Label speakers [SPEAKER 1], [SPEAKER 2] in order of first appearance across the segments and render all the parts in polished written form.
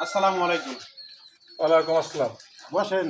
[SPEAKER 1] আসসালামু আলাইকুম।
[SPEAKER 2] ওয়ালাইকুম আসসালাম।
[SPEAKER 1] বসেন।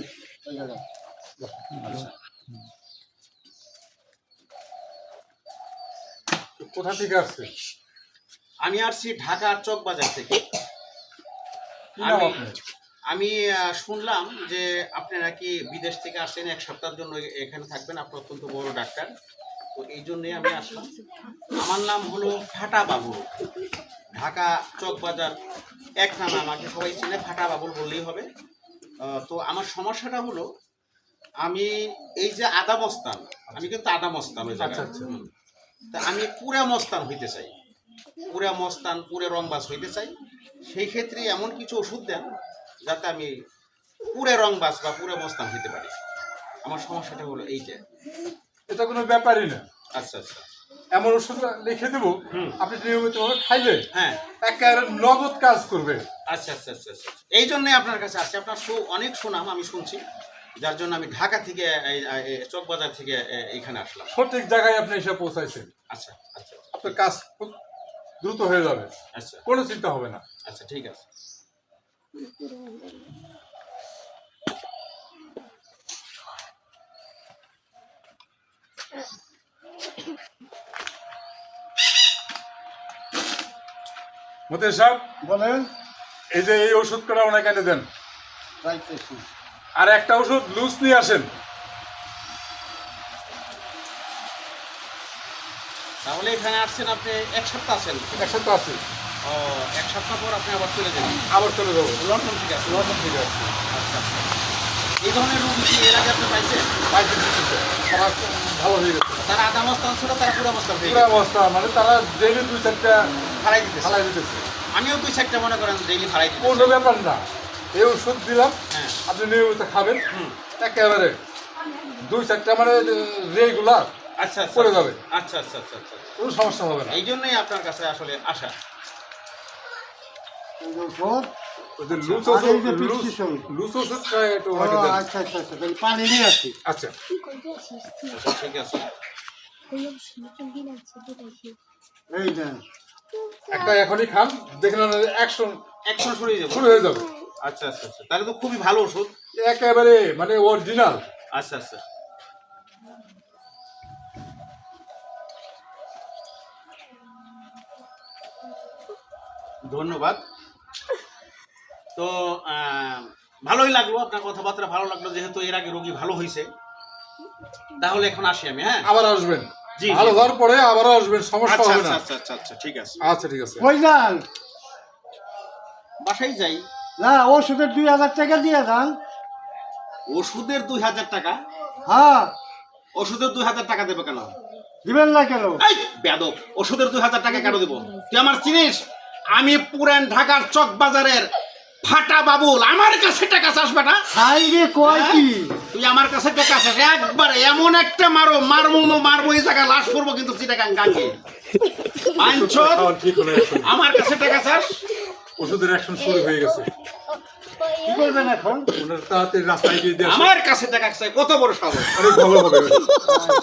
[SPEAKER 2] কোথা থেকে আসছে?
[SPEAKER 1] আমি আসছি ঢাকার চকবাজার থেকে।
[SPEAKER 2] কি নাম
[SPEAKER 1] আমি
[SPEAKER 2] আপনার?
[SPEAKER 1] আমি শুনলাম যে আপনি নাকি বিদেশ থেকে আসছেন, 1 সপ্তাহের জন্য এখানে থাকবেন। আপনি অত্যন্ত বড় ডাক্তার, তো এই জন্যই আমি আসলাম। আমার নাম হলো ফাটা বাবুল। ঢাকা চকবাজার এক নামে আমাকে সবাই চিনে, ফাটা বাবুল বললেই হবে। তো আমার সমস্যাটা হলো, আমি এই যে আদা মস্তান, আমি কিন্তু আদা মস্তান ওই জায়গায়।
[SPEAKER 2] আচ্ছা।
[SPEAKER 1] তা আমি পুরা মস্তান হইতে চাই, পুরা মস্তান, পুরে রংবাজ হইতে চাই। সেই ক্ষেত্রে এমন কিছু ওষুধ দেন যাতে আমি পুরে রংবাজ বা পুরে মস্তান হইতে পারি। আমার সমস্যাটা হলো এইটা।
[SPEAKER 2] এটা কোনো ব্যাপারই না।
[SPEAKER 1] আচ্ছা আচ্ছা।
[SPEAKER 2] এমন ওষুধ লিখে দেবো, আপনি নিয়মিতভাবে খাইলে
[SPEAKER 1] হ্যাঁ,
[SPEAKER 2] একেবারে নগদ কাজ করবে।
[SPEAKER 1] আচ্ছা আচ্ছা আচ্ছা আচ্ছা। এই জন্যই আপনার কাছে আসছি। আপনার অনেক সুনাম আমি শুনছি, যার জন্য আমি ঢাকা থেকে চকবাজার থেকে এইখানে আসলাম।
[SPEAKER 2] সঠিক জায়গায় আপনি এসে পৌঁছাইছেন।
[SPEAKER 1] আচ্ছা আচ্ছা
[SPEAKER 2] আপনার কাজ খুব দ্রুত হয়ে যাবে,
[SPEAKER 1] আচ্ছা
[SPEAKER 2] কোনো চিন্তা হবে না।
[SPEAKER 1] আচ্ছা, ঠিক আছে।
[SPEAKER 2] মতিন সাহেব,
[SPEAKER 1] বলেন।
[SPEAKER 2] এই যে এই ওষুধ করে ওনাকে এনে দেন,
[SPEAKER 1] যাইতেছি।
[SPEAKER 2] আর একটা ওষুধ লুজ নিয়ে আসেন।
[SPEAKER 1] তাহলে এখানে আসছেন আপনি 1 সপ্তাহ আছেন?
[SPEAKER 2] এক সপ্তাহ আছে,
[SPEAKER 1] ও, 1 সপ্তাহ পর আপনি আবার চলে যাবেন
[SPEAKER 2] আবার চলে যাবো।
[SPEAKER 1] লন্ডন থেকে আসছেন?
[SPEAKER 2] লন্ডন থেকে আসছে।
[SPEAKER 1] আচ্ছা আচ্ছা। এই ধরনের রোগী কি এর আগে আপনি পাইছেন?
[SPEAKER 2] পাইতে দিতেছে, তারা ভালো হয়ে গেছে।
[SPEAKER 1] তারা আধা মস্তান ছিল, তারা পুরো মস্তান হয়ে
[SPEAKER 2] পুরো
[SPEAKER 1] গেছে,
[SPEAKER 2] অবস্থা মানে তারা ডেইলি 2-4টা
[SPEAKER 1] ফালাই দিতেছে।
[SPEAKER 2] ফালাই দিতেছে।
[SPEAKER 1] আমিও 2-4টা মনে করেন ডেইলি ফালাই দিতেছি।
[SPEAKER 2] কোনো ব্যাপার না, এই ওষুধ দিলাম,
[SPEAKER 1] হ্যাঁ।
[SPEAKER 2] আপনি নিয়মিত খাবেন,
[SPEAKER 1] হুম।
[SPEAKER 2] একেবারে 2-4টা মানে রেগুলার
[SPEAKER 1] আচ্ছা আচ্ছা
[SPEAKER 2] করে যাবে,
[SPEAKER 1] আচ্ছা আচ্ছা আচ্ছা আচ্ছা।
[SPEAKER 2] কোনো সমস্যা হবে না।
[SPEAKER 1] এই জন্যই আপনার কাছে আসলে আসা।
[SPEAKER 2] ওই যে লুজ ওষুধটা একটু ওনাকে দেন।
[SPEAKER 1] আচ্ছা, পানি নিয়ে আসি।
[SPEAKER 2] আচ্ছা,
[SPEAKER 1] আচ্ছা, ঠিক আছে। এই দেন।
[SPEAKER 2] একটা এখনই খান, দেখলেন অ্যাকশন
[SPEAKER 1] অ্যাকশন শুরু হয়ে যাবে।
[SPEAKER 2] শুরু হয়ে যাবে।
[SPEAKER 1] আচ্ছা আচ্ছা আচ্ছা, তাহলে তো খুবই ভালো ওষুধ।
[SPEAKER 2] একেবারে মানে অরিজিনাল।
[SPEAKER 1] আচ্ছা আচ্ছা। ধন্যবাদ। তো ভালোই লাগলো, আপনার কথাবার্তা ভালো লাগলো। যেহেতু এর আগে রোগী ভালো হয়েছে, তাহলে এখন আসি আমি। হ্যাঁ,
[SPEAKER 2] আবার আসবেন,
[SPEAKER 1] জি,
[SPEAKER 2] ভালো
[SPEAKER 1] জি।
[SPEAKER 2] হওয়ার পরে আবারও আসবেন, সমস্যা
[SPEAKER 1] আচ্ছা
[SPEAKER 2] হবে
[SPEAKER 1] আচ্ছা
[SPEAKER 2] না।
[SPEAKER 1] আচ্ছা আচ্ছা আচ্ছা, ঠিক আছে।
[SPEAKER 2] আচ্ছা, ঠিক আছে।
[SPEAKER 3] কই যান?
[SPEAKER 1] বাসায় যাই।
[SPEAKER 3] না, ওষুধের 2000 টাকা দিয়ে যান।
[SPEAKER 1] ওষুধের 2000 টাকা?
[SPEAKER 3] হ্যাঁ,
[SPEAKER 1] ওষুধের 2000 টাকা দেবো কেন?
[SPEAKER 3] দিবেন না কেন?
[SPEAKER 1] এই বেয়াদব, ওষুধের 2000 টাকা কেন দেবো? তুই আমার চিনিস? আমি পুরান ঢাকার চক বাজারের ফাটা বাবুল। আমার কাছে টাকা চাস বেটা?
[SPEAKER 3] হাই রে, কয় কি?
[SPEAKER 1] তুই আমার কাছে টাকা চাস? একবারে এমন একটা মারবো এই জায়গায় লাশ করবো কিন্তু চিটাগাং গাঙ্গে। বাঞ্চোদ,
[SPEAKER 2] খাওয়ান ঠিক হলে এখন
[SPEAKER 1] আমার কাছে টাকা চাস?
[SPEAKER 2] ওষুধের অ্যাকশন শুরু হয়ে গেছে।
[SPEAKER 3] কি করবেন এখন?
[SPEAKER 2] ওনার তাড়াতাড়ি রাস্তায় গিয়ে দিয়ে আসুন।
[SPEAKER 1] আমার কাছে টাকা চাই? কত বড় সাহস!
[SPEAKER 2] অনেক ভালো হবে।